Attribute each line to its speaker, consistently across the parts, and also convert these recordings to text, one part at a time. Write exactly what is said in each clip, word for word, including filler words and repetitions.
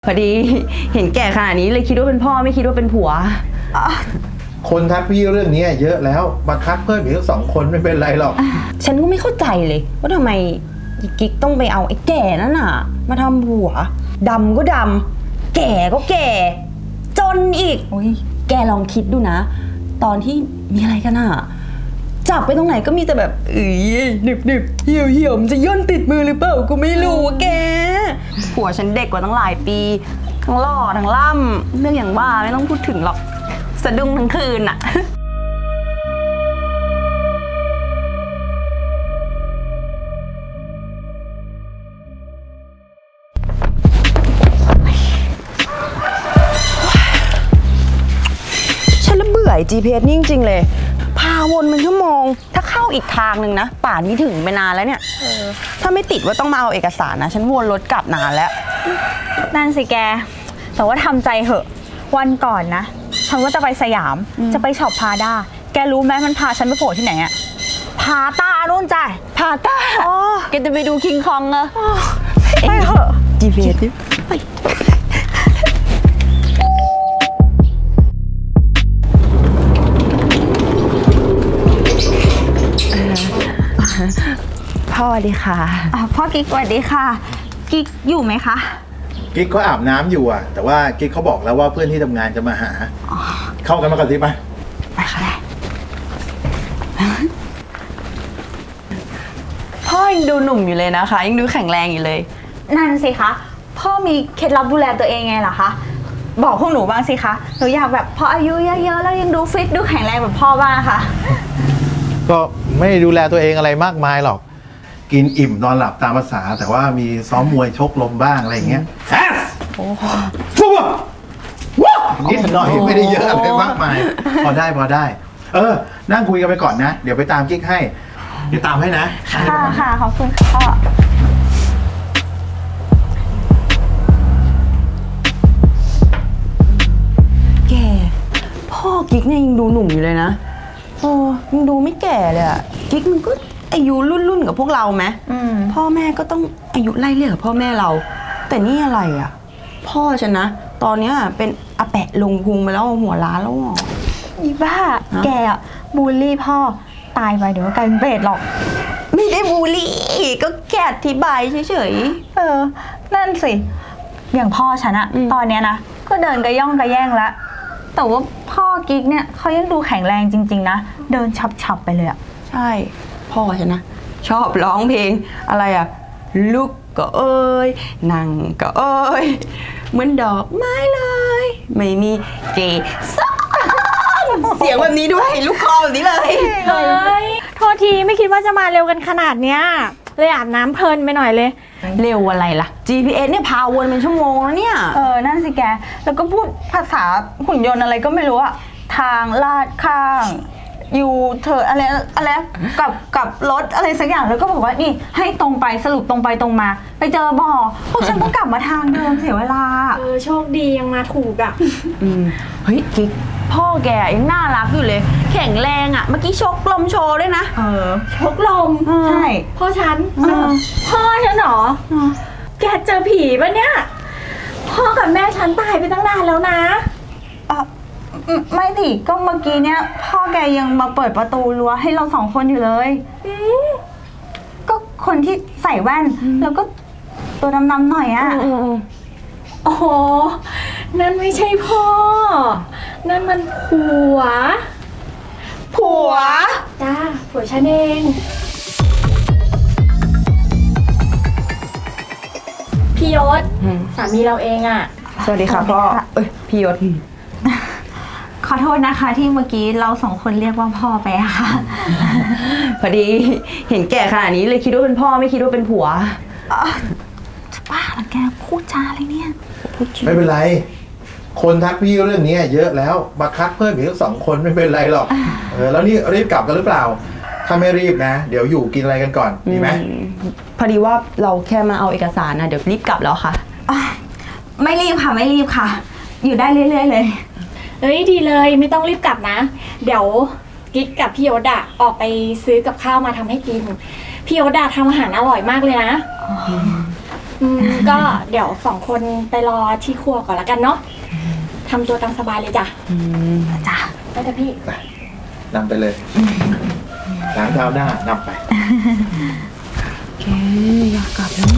Speaker 1: พอดีเห็นแก่ขนาดนี้เลยคิดว่าเป็นพ่อไม่คิดว่าเป็นผัว
Speaker 2: คนทักพี่เรื่องนี้เยอะแล้วมาทักเพิ่มอีกสองคนไม่เป็นไรหรอก
Speaker 1: ฉันก็ไม่เข้าใจเลยว่าทำไมกิ๊กต้องไปเอาไอ้แก่นั่นน่ะมาทำผัวดำก็ดำแก่ก็แก่จนอีกโอ้ยแกลองคิดดูนะตอนที่มีอะไรกันอ่ะจับไปตรงไหนก็มีแต่แบบเอ้ยหนึบหนึบเหี่ยวเหี่ยวมันจะย่นติดมือหรือเปล่ากูไม่รู้แกผัวฉันเด็กกว่าตั้งหลายปีทั้งหล่อทั้งล่ำเรื่องอย่างว่าไม่ต้องพูดถึงหรอกสะดุ้งทั้งคืนอ่ะฉันละเบื่อ จี พี เอส นี่จริงๆเลยพาวนเป็นชั่วโมงถ้าเข้าอีกทางหนึ่งนะป่านนี้ถึงไปนานแล้วเนี่ยถ้าไม่ติดว่าต้องมาเอาเอกสารนะฉันวนรถกลับนานแล้ว
Speaker 3: นั่นสิแกแต่ว่าทำใจเหอะวันก่อนนะฉันว่าจะไปสยามจะไปช็อปพาด้าแกรู้ไหมมันพาฉันไปโผล่ที่ไหนอะพาต้านู่นจ้ะ
Speaker 1: พาต้าแกจะไปดูคิงคองเหรอ
Speaker 3: ไปเถอะ
Speaker 1: จี พี เอส ไปพ่อสวัสดีค่ะ
Speaker 3: พ่อกิ๊กสวัสดีค่ะกิ๊กอยู่ไหมคะ
Speaker 2: กิ๊กเขาอาบน้ำอยู่อ่ะแต่ว่ากิ๊กเขาบอกแล้วว่าเพื่อนที่ทำงานจะมาหาเข้ากันมาก่อนสิไป
Speaker 1: ไปค่ะพ่อยังดูหนุ่มอยู่เลยนะคะยังดูแข็งแรงอยู่เลย
Speaker 3: นั่นสิคะพ่อมีเคล็ดลับดูแลตัวเองไงล่ะคะบอกพวกหนูบ้างสิคะหนูอยากแบบพออายุเยอะๆแล้วยังดูฟิตดูแข็งแรงแบบพ่อบ้างค่ะ
Speaker 2: ก็ไม่ดูแลตัวเองอะไรมากมายหรอกกินอิ่มนอนหลับตามภาษาแต่ว่ามีซ้อมมวยชกลมบ้างอะไรอย่างเงี้ยแอสโอ้โหว้าวนิดหน่อยไม่ได้เยอะอะไรมากมายพอได้พอได้เออนั่งคุยกันไปก่อนนะเดี๋ยวไปตามกิ๊กให้เดี๋ยวตามให้นะ
Speaker 3: ค่ะค่ะขอบคุณค่ะ
Speaker 1: แกพ่อกิ๊กเนี่ยยังดูหนุ่มอยู่เลยนะโอ้ยังดูไม่แก่เลยอะกิ๊กมันก็อายุรุ่นรุ่นกับพวกเราไหมพ่อแม่ก็ต้องอายุไล่เลี่ยกับพ่อแม่เราแต่นี่อะไรอ่ะพ่อฉันนะตอนนี้เป็นอาแปะลงพุงไปแล้วหัวล้านแล้วอ่ะ
Speaker 3: อีบ้าแกอ่ะบูลลี่พ่อตายไปเดี๋ยวก็กลายเป็นเปรตหรอก
Speaker 1: ไม่ได้บูลลี่ก็แค่อธิบายเฉย
Speaker 3: ๆเออนั่นสิอย่างพ่อฉันอะตอนเนี้ยนะก็เดินกระย่องกระแย่งแล้วแต่ว่าพ่อกิ๊กเนี่ยเขายังดูแข็งแรงจริงๆนะเดินฉับๆไปเลยอะ
Speaker 1: ใช่พ่อฉันนะชอบร้องเพลงอะไรอะลุกก็เอ้ยนั่งก็เอ้ยเหมือนดอกไม้เลยไม่มีเกสรเสียงแบบนี้ด้วยลูกคอแบบนี้เลย
Speaker 3: เฮ้ยโทษทีไม่คิดว่าจะมาเร็วกันขนาดเนี้ยเลยอาบน้ำเพลินไปหน่อยเลย
Speaker 1: เร็วอะไรล่ะ จี พี เอส เนี่ยพาวนเป็นชั่วโมงแล้วเนี่ย
Speaker 3: เออนั่นสิแกแล้วก็พูดภาษาหุ่นยนต์อะไรก็ไม่รู้อะทางลาดข้างอยู่เธออะไรอะไรกับกับรถอะไรสักอย่างแล้วก็บอกว่านี่ให้ตรงไปสรุปตรงไปตรงมาไปเจอบ่อพวกฉันก็กลับมาทางเดิมเสียเวลา
Speaker 4: เออโชคดียังมาถูกอ่ะ
Speaker 1: อืมเฮ้ยกิ๊กพ่อแกยังน่ารักอยู่เลยแข็งแรงอ่ะเมื่อกี้ชกลมโชว์ด้วยนะ
Speaker 3: เออ
Speaker 4: ชกลม
Speaker 3: ใช่
Speaker 4: พ่อฉันพ่อฉันเหรอแกเจอผีปะเนี่ยพ่อกับแม่ฉันตายไปตั้งนานแล้วนะ
Speaker 3: ไม่สิก็เมื่อกี้เนี้ยพ่อแกยังมาเปิดประตูรั้วให้เราสองคนอยู่เลยก็คนที่ใส่แว่นแล้วก็ตัวดำๆหน่อยอ่ะ
Speaker 4: อ๋อนั่นไม่ใช่พ่อนั่นมันผัว
Speaker 1: ผัว
Speaker 4: จ้าผัวฉันเองพี่ยศสามีเราเองอ่ะ
Speaker 1: สวัสดีค่ะพ่อเอ้ยพี่ยศ
Speaker 3: ขอโทษนะคะที่เมื่อกี้เราสองคนเรียกว่าพ่อไปอะค่ะ
Speaker 1: พอดีเห็นแก่ขนาดนี้เลยคิดว่าเป็นพ่อไม่คิดว่าเป็นผัว
Speaker 3: จะบ้าหรอแกพูดจาอะไรเนี่ย
Speaker 2: ไม่เป็นไรคนทักพี่เรื่องนี้เยอะแล้วมาทักเพิ่มอีกสองคนไม่เป็นไรหรอกเออแล้วนี่รีบกลับกันหรือเปล่าถ้าไม่รีบนะเดี๋ยวอยู่กินอะไรกันก่อนดีไหม
Speaker 1: พอดีว่าเราแค่มาเอาเอกสารนะเดี๋ยวรีบกลับแล้วค่ะ
Speaker 3: ไม่รีบค่ะไม่รีบค่ะอยู่ได้เรื่อยๆเลย
Speaker 4: เอ้ยดีเลยไม่ต้องรีบกลับนะเดี๋ยวกิ๊กกับพี่ยศอะออกไปซื้อกับข้าวมาทำให้กินพี่ยศอะทำอาหารอร่อยมากเลยนะอืมก็เดี๋ยวสองคนไปรอที่ครัวก่อนละกันเนาะทำตัวตามสบายเลยจ้ะ
Speaker 1: อืม
Speaker 3: จ้ะ
Speaker 4: ไปเถอะพี่
Speaker 2: นำไปเลยล้างเท้าหน้านำไป
Speaker 1: แกอยากกลับแล้ว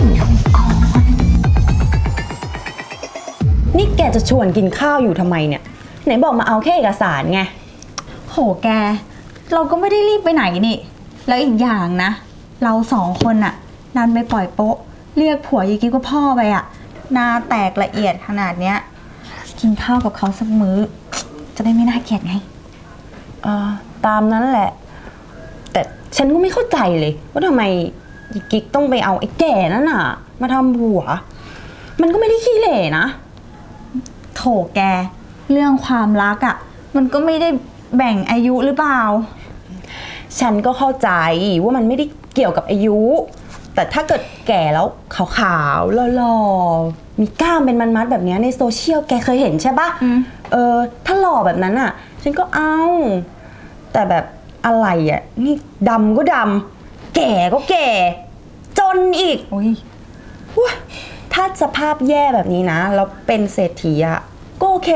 Speaker 1: นี่แกจะชวนกินข้าวอยู่ทำไมเนี่ย ไหนบอกมาเอาแค่เอกสารไง
Speaker 3: โหแก เราก็ไม่ได้รีบไปไหนนี่ แล้วอีกอย่างนะ เราสองคนอะดันไปปล่อยโป๊ะ เรียกผัวยายกิ๊กว่าพ่อไปอะหน้าแตกละเอียดขนาดเนี้ย กินข้าวกับเขาสักมื้อ จะได้ไม่น่าเกลียดไง
Speaker 1: เออตามนั้นแหละ แต่ฉันก็ไม่เข้าใจเลย ว่าทำไมอีกิ๊กต้องไปเอาไอ้แก่นั่นน่ะ มาทำผัว มันก็ไม่ได้ขี้เหร่นะ
Speaker 3: โถแก เรื่องความรักอะ่ะ มันก็ไม่ได้แบ่งอายุหรือเปล่า
Speaker 1: ฉันก็เข้าใจว่ามันไม่ได้เกี่ยวกับอายุ แต่ถ้าเกิดแก่แล้วขาวๆหล่อๆมีกล้ามเป็นมัดๆแบบเนี้ยในโซเชียลแกเคยเห็นใช่ปะ
Speaker 3: อืม
Speaker 1: เออถ้าหล่อแบบนั้นอ่ะ ฉันก็เอา แต่แบบอะไรอ่ะนี่ดำก็ดำแก่ก็แก่ จนอีก
Speaker 3: โอ้ย
Speaker 1: ว้าถ้าสภาพแย่แบบนี้นะแล้วเป็นเศรษฐีอ่ะก็โอเค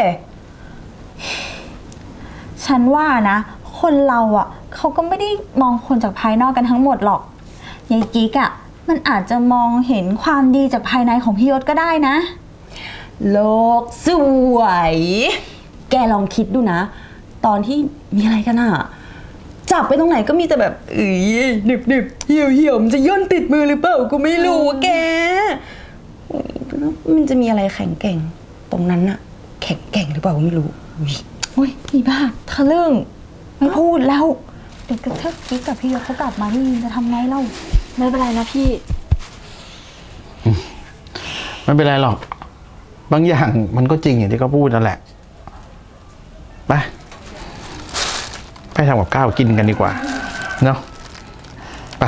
Speaker 3: ฉันว่านะ คนเราอะ่ะ เขาก็ไม่ได้มองคนจากภายนอกกันทั้งหมดหรอกยายกิ๊กอะ่ะ มันอาจจะมองเห็นความดีจากภายในของพี่ยศก็ได้นะ
Speaker 1: โลกสวย แกลองคิดดูนะ ตอนที่มีอะไรกันอะจับไปตรงไหนก็มีแต่แบบเอ้ยหนึบหนึบเหี่ยวเหี่ยวมันจะย่นติดมือหรือเปล่าก็ไม่รู้อะแกอุ๊ยมันจะมีอะไรแข็งแกร่งตรงนั้นอะแข็งแกร่งหรือเปล่าก็ไม่รู้อุ๊ย
Speaker 3: อุ้ยอีบ้าทะลึ่งไม่พูดแล้ว เดี๋ยวถ้ากิ๊กกับพี่ยศเขากลับมานี่จะทำไงเล่า
Speaker 4: ไม่เป็นไรนะพี่
Speaker 2: ไม่เป็นไรหรอก บางอย่างมันก็จริงอย่างที่เขาพูดนั่นแหละ ไป ไปทำกับข้าวกินกันดีกว่า เนาะ ไป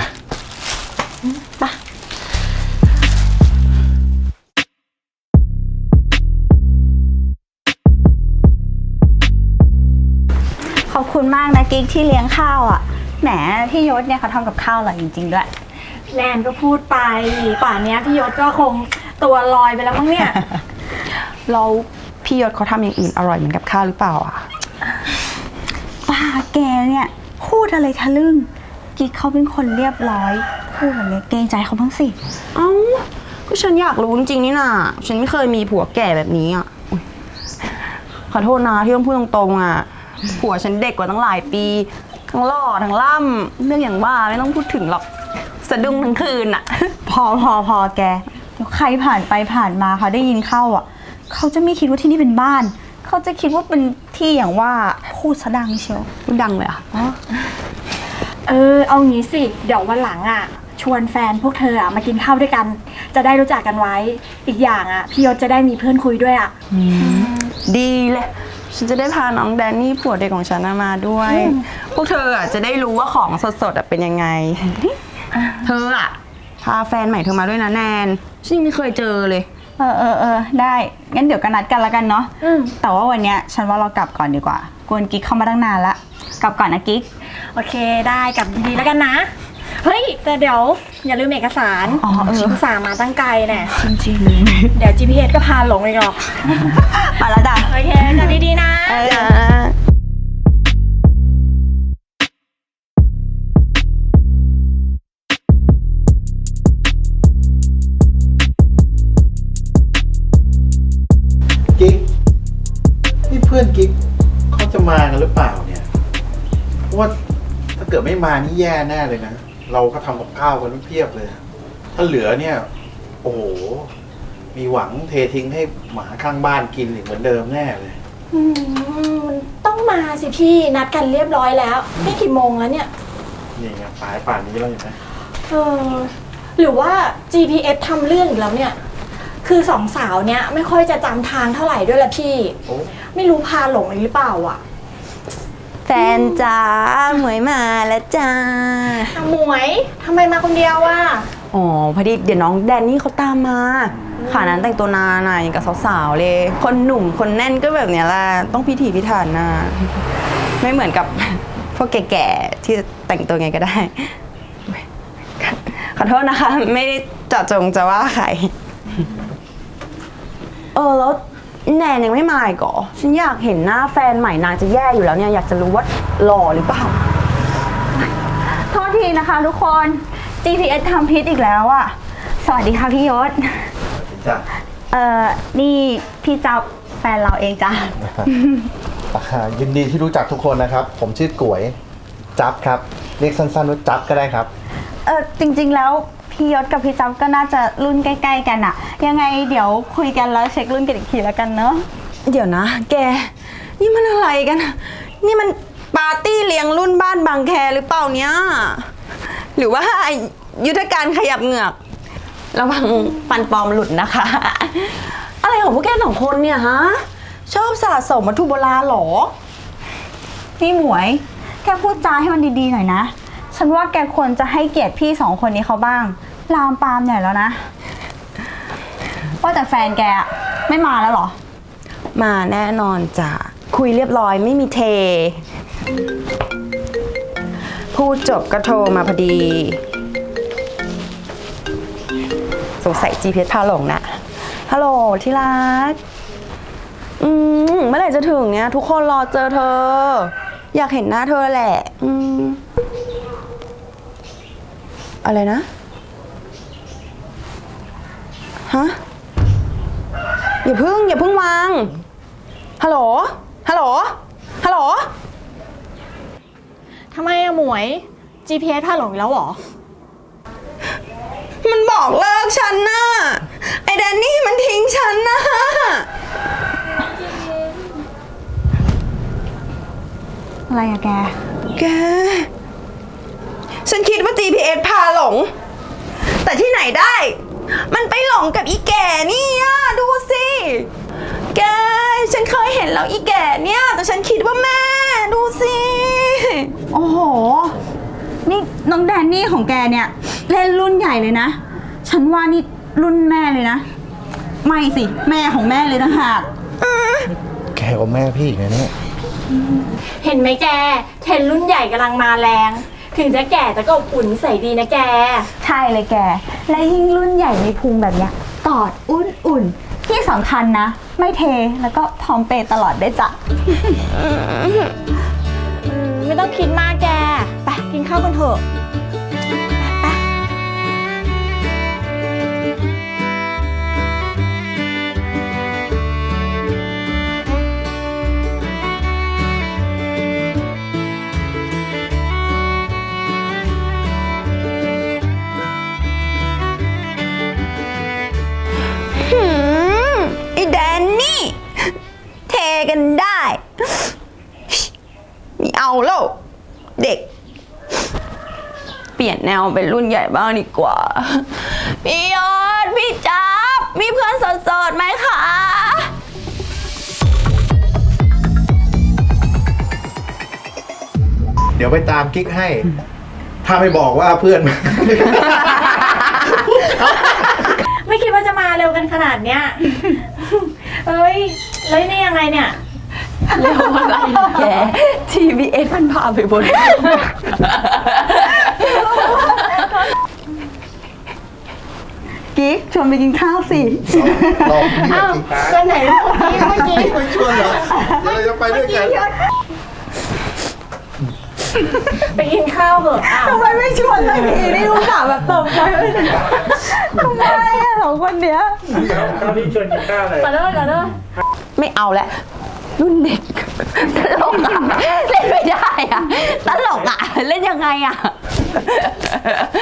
Speaker 3: ขอบคุณมากนะกิ๊กที่เลี้ยงข้าวอะ่ะ แหมพี่ยศเนี่ยเขาทำกับข้าวอร่อยจริงๆด้วย
Speaker 4: แนนก็พูดไป ป่านเนี้ยพี่ยศก็คงตัวลอยไปแล้วมั้งเนี่ย
Speaker 1: เราพี่ยศเขาทำอย่างอื่นอร่อยเหมือนกับข้าวหรือเปล่าอะ
Speaker 3: ป้าแกเนี่ยพูดอะไรทะลึ่ง กิ๊กเขาเป็นคนเรียบร้อย พูดแบบนี้เกรงใจเขาบ้างสิ
Speaker 1: เอ้าก็ฉันอยากรู้จริงๆนี่น่ะฉันไม่เคยมีผัวแก่แบบนี้อ่ะอุ๊ยขอโทษนะที่ต้องพูดตรงๆอ่ะผัวฉันเด็กกว่าตั้งหลายปีทั้งหล่อทั้งล่ำเรื่องอย่างว่าไม่ต้องพูดถึงหรอกสะดุ้งทั้งคืนอ่ะ
Speaker 3: พอพอพอแกเดี๋ยวใครผ่านไปผ่านมาเขาได้ยินเข้าอ่ะ เขาจะไม่คิดว่าที่นี่เป็นบ้าน เขาจะคิดว่าเป็นที่อย่างว่าพูดซะดังเชียว
Speaker 1: พูดดังเลยอ่ะ
Speaker 4: เออเอางี้สิ เดี๋ยววันหลังอ่ะ ชวนแฟนพวกเธออ่ะมากินข้าวด้วยกัน จะได้รู้จักกันไว้ อีกอย่างอ่ะพี่ยศจะได้มีเพื่อนคุยด้วยอ่ะ
Speaker 1: ดีเลยฉันจะได้พาน้องแดนนี่ผัวเด็กของฉันน่ะมาด้วย พวกเธออ่ะจะได้รู้ว่าของสดๆอ่ะเป็นยังไง เธออ่ะพาแฟนใหม่เธอมาด้วยนะแนนฉันยังไม่เคยเจอเลย
Speaker 3: เออเออเออได้งั้นเดี๋ยวกันนัดกันละกันเนาะ
Speaker 4: อืม
Speaker 3: แต่ว่าวันเนี้ยฉันว่าเรากลับก่อนดีกว่ากวนกิ๊กเข้ามาตั้งนานละกลับก่อนนะกิ๊ก
Speaker 4: โอเคได้กลับดีๆแล้วกันนะ เฮ้ย แต่เดี๋ยวอย่าลืมเอกสาร
Speaker 3: อ๋อเออ
Speaker 4: ชิงสามาตั้งไกลแน่
Speaker 1: จริง
Speaker 4: เดี๋ยว จี พี เอส ก็พาหลงอีกหรอก
Speaker 3: ไปแล้วจ้ะ
Speaker 4: โอเคกลับดีๆนะ
Speaker 1: ๆจ้า
Speaker 2: กิ๊กนี่เพื่อนกิ๊กเขาจะมากันหรือเปล่าเนี่ยเพราะว่าถ้าเกิดไม่มานี่แย่แน่เลยนะ เราก็ทำกับข้าวกันไม่เพียบเลย ถ้าเหลือเนี่ย โอ้โห มีหวังเททิ้งให้หมาข้างบ้านกินอีกเหมือนเดิมแน่เลย
Speaker 4: อืมมันต้องมาสิพี่นัดกันเรียบร้อยแล้วนี่กี่โมงแล้วเนี่ย
Speaker 2: นี่ไงสายป่านนี้แล้วเห็นไหม
Speaker 4: เออหรือว่า จี พี เอส ทำเรื่องอีกแล้วเนี่ย คือสองสาวเนี้ยไม่ค่อยจะจำทางเท่าไหร่ด้วยละพี่
Speaker 2: โอ้
Speaker 4: ไม่รู้พาหลงอีกหรือเปล่าอ่ะ
Speaker 1: แฟนจ้าหมวยมาแล้วจ้า
Speaker 4: อ่ะหมวยทำไมมาคนเดียวอ่ะ
Speaker 1: อ๋อพอดีเดี๋ยวน้องแดนนี่เขาตามมาขานั้นแต่งตัวนานน่ะอย่างกับสาวๆเลย คนหนุ่มคนแน่นก็แบบเนี้ยแหละต้องพิถีพิถันน่ะไม่เหมือนกับ พวกแก่ๆที่จะแต่งตัวไงก็ได้ ขอโทษนะคะ ไม่ได้จะจงจะว่าใคร เออแล้วแนนยังไม่มาอีกเหรอฉันอยากเห็นหน้าแฟนใหม่นางจะแย่อยู่แล้วเนี่ยอยากจะรู้ว่าหล่อหรือเปล่า
Speaker 3: โทษทีนะคะทุกคน จี พี เอส ทำพิษอีกแล้วอะสวัสดีค่ะพี่ยศ
Speaker 2: จ้ะ
Speaker 3: เอ่อ นี่พี่จ๊อบแฟนเราเองจ้ะ
Speaker 5: อ่ายินดีที่รู้จักทุกคนนะครับ ผมชื่อกวย จับครับ เรียกสั้นๆว่าจับก็ได้ครับ
Speaker 3: เออจริงๆแล้วพี่ยศกับพี่จ๊อบก็น่าจะรุ่นใกล้ๆกันอะยังไงเดี๋ยวคุยกันแล้วเช็ครุ่นกันอีกทีแล้วกันเนาะ
Speaker 1: เดี๋ยวนะ แก นี่มันอะไรกัน นี่มันปาร์ตี้เลี้ยงรุ่นบ้านบางแคหรือเปล่าเนี่ย หรือว่ายุทธการขยับเหงือก ระวังฟันปลอมหลุดนะคะ อะไรของพวกแกสองคนเนี่ยฮะ ชอบสะสมวัตถุโบราณเหรอ
Speaker 3: นี่หมวย แกพูดจาให้มันดีๆหน่อยนะ ฉันว่าแกควรจะให้เกียรติพี่สองคนนี้เขาบ้าง ลามปามใหญ่แล้วนะ ว่าแต่แฟนแกอะไม่มาแล้วเหรอ
Speaker 1: มาแน่นอนจ้ะ คุยเรียบร้อยไม่มีเท พูดจบก็โทรมาพอดี สงสัย จี พี เอส พาหลงนะฮัลโหลที่รัก อืมเมื่อไหร่จะถึงเนี่ย ทุกคนรอเจอเธอ อยากเห็นหน้าเธอแหละ อืมอะไรนะ ฮะ อย่าพึ่ง อย่าพึ่งวาง ฮัลโหล ฮัลโหล ฮัลโหล
Speaker 4: ทำไมอะหมวย จี พี เอส พาหลงอีกแล้วเหรอ
Speaker 1: มันบอกเลิกฉันน่ะ ไอ้แดนนี่มันทิ้งฉันน่ะ
Speaker 3: อะไรอะแก
Speaker 1: แก ฉันคิดว่า จี พี เอส พาหลง แต่ที่ไหนได้ มันไปหลงกับอีแก่นี่อ่ะดูสิ แก ฉันเคยเห็นแล้วอีแก่เนี่ย แต่ฉันคิดว่าแม่ ดูสิ
Speaker 3: โอ้โห นี่น้องแดนนี่ของแกเนี่ย เล่นรุ่นใหญ่เลยนะ ฉันว่านี่รุ่นแม่เลยนะ ไม่สิ แม่ของแม่เลยนะหาก
Speaker 5: แกกับแม่พี่อีกนะเนี่ย
Speaker 4: เห็นไหมแก เทรนด์รุ่นใหญ่กำลังมาแรง ถึงจะแก่แต่ก็อบอุ่นใส่ดีนะแก
Speaker 3: ใช่เลยแก และยิ่งรุ่นใหญ่มีพุงแบบเนี้ยกอดอุ่นๆ ที่สำคัญนะ ไม่เทแล้วก็พร้อมเปย์ตลอดได้วยจ้ะ
Speaker 4: อืมไม่ต้องคิดมากแก ไปกินข้าวกันเถอะ ไป
Speaker 1: หืมไอ้แดนนี่ เทกันได้ไม่เอาแล้วเด็ก เปลี่ยนแนวเป็นรุ่นใหญ่บ้างดีกว่า พี่ยอดพี่จับมีเพื่อนโสดๆไหมคะ
Speaker 2: เดี๋ยวไปตามกิ๊กให้ ถ้าไม่บอกว่าเพื่อน
Speaker 4: ไม่คิดว่าจะมาเร็วกันขนาดเนี้ย เฮ้ย แล้วนี่ยังไงเนี่ย
Speaker 1: เร็วอะไรแก ที บี เอส มันพาไปบน
Speaker 3: กิ๊กชวนไปกินข้าวสิ
Speaker 5: ลองพี่
Speaker 4: อ้าว
Speaker 5: จริงๆ
Speaker 4: ก็ไหนเมื่อกี้
Speaker 5: ไม่ชวนเหรอเดี๋ยวเราจะไปด้วยกัน
Speaker 4: ไปกินข้าวเหอะอ้าว
Speaker 3: ทำไมไม่ชวนเลยพี่นี่รู้สึกแบบตกใจไม่ได้ทำไมอะสองคนเนี้ย
Speaker 4: ขอโทษขอโทษ
Speaker 1: ไม่เอาแล้วรุ่นเด็ก ตลกอะเล่นไม่ได้อะตลกอะเล่นยังไงอะ